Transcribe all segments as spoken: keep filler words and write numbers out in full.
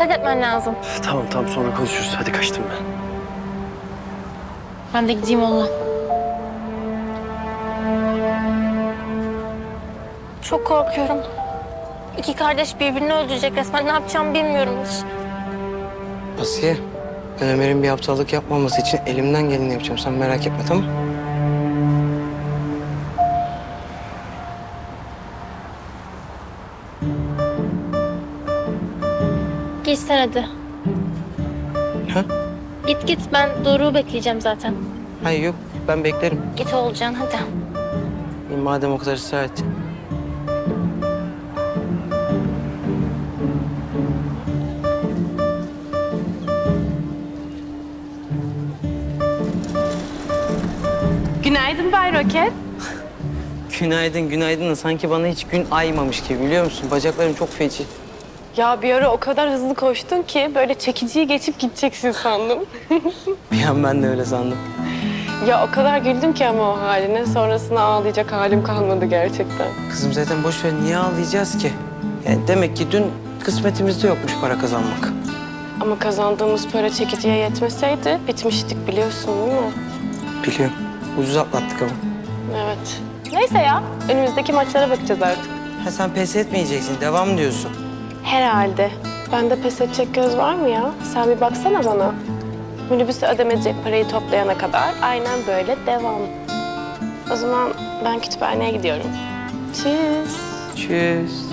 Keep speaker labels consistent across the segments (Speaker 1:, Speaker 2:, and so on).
Speaker 1: dikkat etmen lazım.
Speaker 2: Tamam tamam sonra konuşuruz. Hadi kaçtım ben.
Speaker 1: Ben de gideyim onunla. Çok korkuyorum. İki kardeş birbirini öldürecek resmen. Ne yapacağımı bilmiyorum hiç.
Speaker 3: Asiye, ben Ömer'in bir aptallık yapmaması için elimden geleni yapacağım. Sen merak etme, tamam mı?
Speaker 1: Git sen hadi.
Speaker 3: Ha?
Speaker 1: Git git, ben Doruk'u bekleyeceğim zaten.
Speaker 3: Hayır yok, ben beklerim.
Speaker 1: Git Oğulcan hadi.
Speaker 3: İyi, madem o kadar ısrar ettin.
Speaker 4: Günaydın Bay Roket.
Speaker 3: Günaydın, günaydın da sanki bana hiç gün aymamış gibi, biliyor musun? Bacaklarım çok feci.
Speaker 4: Ya bir ara o kadar hızlı koştun ki böyle çekiciyi geçip gideceksin sandım.
Speaker 3: Bir an ben de öyle sandım.
Speaker 4: Ya o kadar güldüm ki ama o haline. Sonrasında ağlayacak halim kalmadı gerçekten.
Speaker 3: Kızım zaten boş ver, niye ağlayacağız ki? Yani demek ki dün kısmetimizde yokmuş para kazanmak.
Speaker 4: Ama kazandığımız para çekiciye yetmeseydi bitmiştik biliyorsun değil mi?
Speaker 3: Biliyorum, ucuz atlattık ama.
Speaker 4: Evet. Neyse ya, önümüzdeki maçlara bakacağız artık.
Speaker 3: Ha sen pes etmeyeceksin, devam diyorsun.
Speaker 4: Herhalde. Bende pes edecek göz var mı ya? Sen bir baksana bana. Minibüse ödemeyecek parayı toplayana kadar aynen böyle devam. O zaman ben kütüphaneye gidiyorum. Tschüss.
Speaker 3: Tschüss.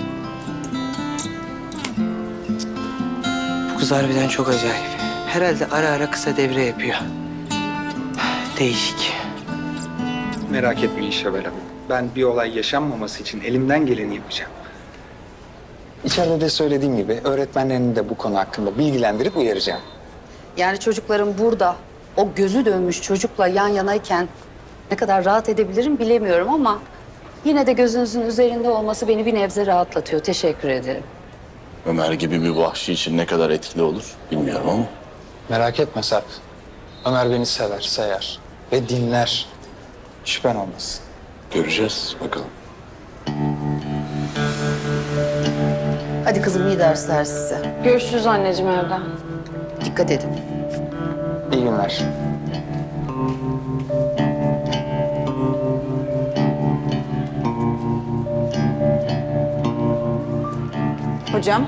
Speaker 3: Bu kız harbiden çok acayip. Herhalde ara ara kısa devre yapıyor. Değişik.
Speaker 5: Merak etmeyin Şevval Hanım. Ben bir olay yaşanmaması için elimden geleni yapacağım. İçeride de söylediğim gibi öğretmenlerini de bu konu hakkında bilgilendirip uyaracağım.
Speaker 6: Yani çocuklarım burada o gözü dönmüş çocukla yan yanayken ne kadar rahat edebilirim bilemiyorum ama yine de gözünüzün üzerinde olması beni bir nebze rahatlatıyor. Teşekkür ederim.
Speaker 7: Ömer gibi bir vahşi için ne kadar etkili olur bilmiyorum ama.
Speaker 5: Merak etme Sarp. Ömer beni sever, sayar ve dinler. Şüphen olmasın.
Speaker 7: Göreceğiz bakalım.
Speaker 6: Hadi kızım iyi dersler size.
Speaker 4: Görüşürüz anneciğim evde.
Speaker 6: Dikkat edin.
Speaker 5: İyi günler.
Speaker 4: Hocam.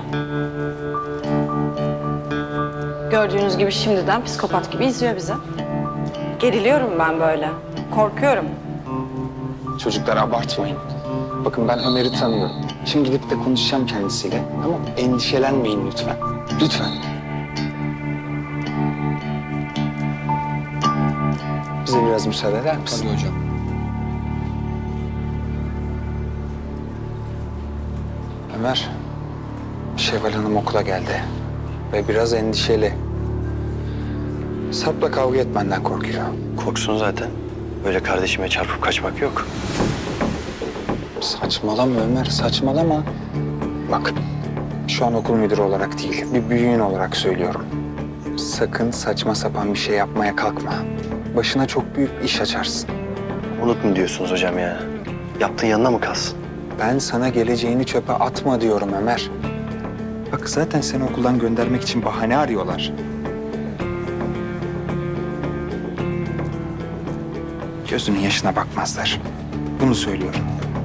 Speaker 4: Gördüğünüz gibi şimdiden psikopat gibi izliyor bizi. Geriliyorum ben böyle. Korkuyorum.
Speaker 5: Çocuklar abartmayın. Bakın ben Ömer'i tanıyorum. Şimdi gidip de konuşacağım kendisiyle. Tamam mı? Endişelenmeyin lütfen. Lütfen. Bize biraz müsaade eder misin? Tabii hocam. Ömer, Şevval Hanım okula geldi. Ve biraz endişeli. Sarp'la kavga etmenden korkuyor.
Speaker 2: Korksun zaten. Böyle kardeşime çarpıp kaçmak yok.
Speaker 5: Saçmalama Ömer, saçmalama. Bak, şu an okul müdürü olarak değil, bir büyüğün olarak söylüyorum. Sakın saçma sapan bir şey yapmaya kalkma. Başına çok büyük iş açarsın.
Speaker 2: Unut mu diyorsunuz hocam ya? Yaptığın yanına mı kalsın?
Speaker 5: Ben sana geleceğini çöpe atma diyorum Ömer. Bak zaten seni okuldan göndermek için bahane arıyorlar. Gözünün yaşına bakmazlar. Bunu söylüyorum.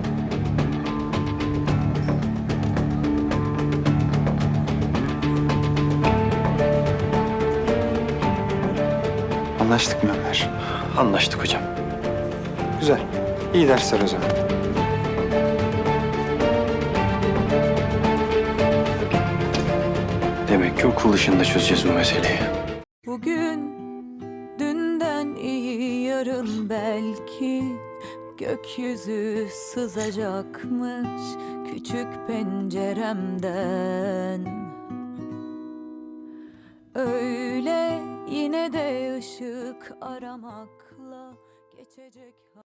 Speaker 5: Anlaştık mı Ömer?
Speaker 2: Anlaştık hocam.
Speaker 5: Güzel. İyi dersler o zaman.
Speaker 2: Demek ki okul dışında çözeceğiz bu meseleyi.
Speaker 8: Bugün dünden iyi yarın belki gökyüzü sızacakmış küçük penceremden. Öyle yine de ışık aramakla geçecek.